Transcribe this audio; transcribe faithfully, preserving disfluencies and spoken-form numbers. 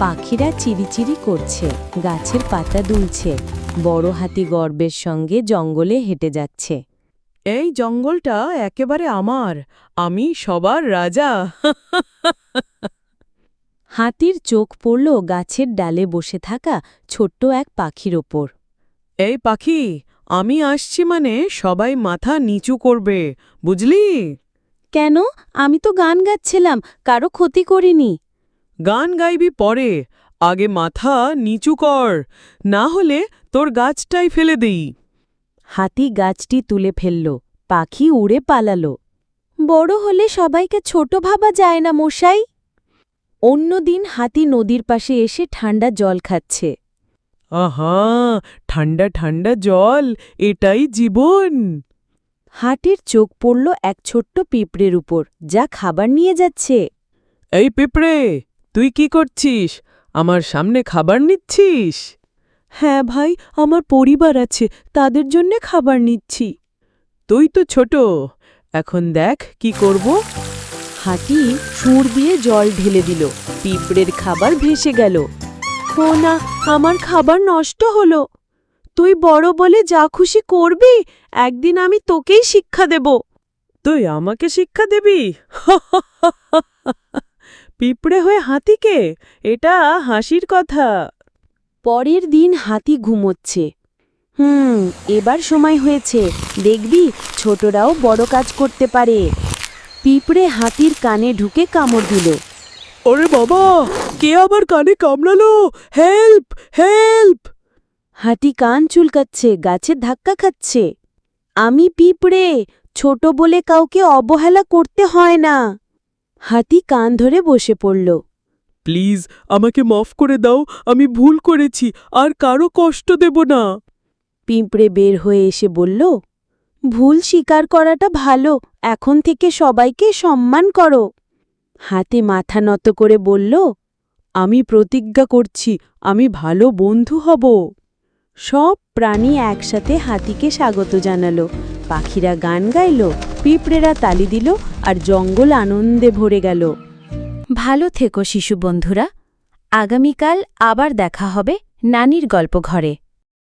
পাখিরা চিরিচিরি করছে, গাছের পাতা দুলছে। বড় হাতি গর্বের সঙ্গে জঙ্গলে হেঁটে যাচ্ছে। এই জঙ্গলটা একেবারে আমার, আমি সবার রাজা। হাতির চোখ পড়ল গাছের ডালে বসে থাকা ছোট্ট এক পাখির ওপর। এই পাখি, আমি আসছি মানে সবাই মাথা নিচু করবে, বুঝলি? কেন? আমি তো গান গাচ্ছিলাম, কারো ক্ষতি করিনি। গান গাইবি পরে, আগে মাথা নিচু কর, না হলে তোর গাছটাই ফেলে দেই। হাতি গাছটি তুলে ফেলল, পাখি উড়ে পালালো। বড় হলে সবাইকে ছোট ভাবা যায় না মশাই। অন্যদিন হাতি নদীর পাশে এসে ঠান্ডা জল খাচ্ছে। আহা, ঠান্ডা ঠান্ডা জল, এটাই জীবন। হাতির চোখ পড়ল এক ছোট্ট পিঁপড়ের উপর, যা খাবার নিয়ে যাচ্ছে। এই পিঁপড়ে, তুই কি করছিস? আমার সামনে খাবার নিচ্ছিস? হ্যাঁ ভাই, আমার পরিবার আছে, তাদের জন্যে খাবার নিচ্ছি। তুই তো ছোট, এখন দেখ কি করব। হাতি সুর দিয়ে জল ঢেলে দিল, পিঁপড়ের খাবার ভেসে গেল। ও না, আমার খাবার নষ্ট হলো। তুই বড় বলে যা খুশি করবি, একদিন আমি তোকেই শিক্ষা দেব। তুই আমাকে শিক্ষা দিবি? পিঁপড়ে হয়ে হাতিকে? এটা হাসির কথা। পরের দিন হাতি ঘুমোচ্ছে। হুম এবার সময় হয়েছে, দেখবি ছোটরাও বড় কাজ করতে পারে। পিঁপড়ে হাতির কানে ঢুকে কামড় দিল। ওরে বাবা, কে আবার কানে কামড়ালো? Help, help! হাতি কান চুলকাচ্ছে, গাছে ধাক্কা খাচ্ছে। আমি পিঁপড়ে, ছোট বলে কাউকে অবহেলা করতে হয় না। হাতি কান ধরে বসে পড়ল। প্লিজ আমাকে মাফ করে দাও, আমি ভুল করেছি, আর কারো কষ্ট দেব না। পিঁপড়ে বের হয়ে এসে বলল, ভুল স্বীকার করাটা ভালো, এখন থেকে সবাইকে সম্মান করো। হাতি মাথা নত করে বলল, আমি প্রতিজ্ঞা করছি, আমি ভালো বন্ধু হব। সব প্রাণী একসাথে হাতিকে স্বাগত জানালো। পাখিরা গান গাইল, পিঁপড়েরা তালি দিল, আর জঙ্গল আনন্দে ভরে গেল। ভালো থেকো শিশু বন্ধুরা, আগামীকাল আবার দেখা হবে নানির গল্প ঘরে।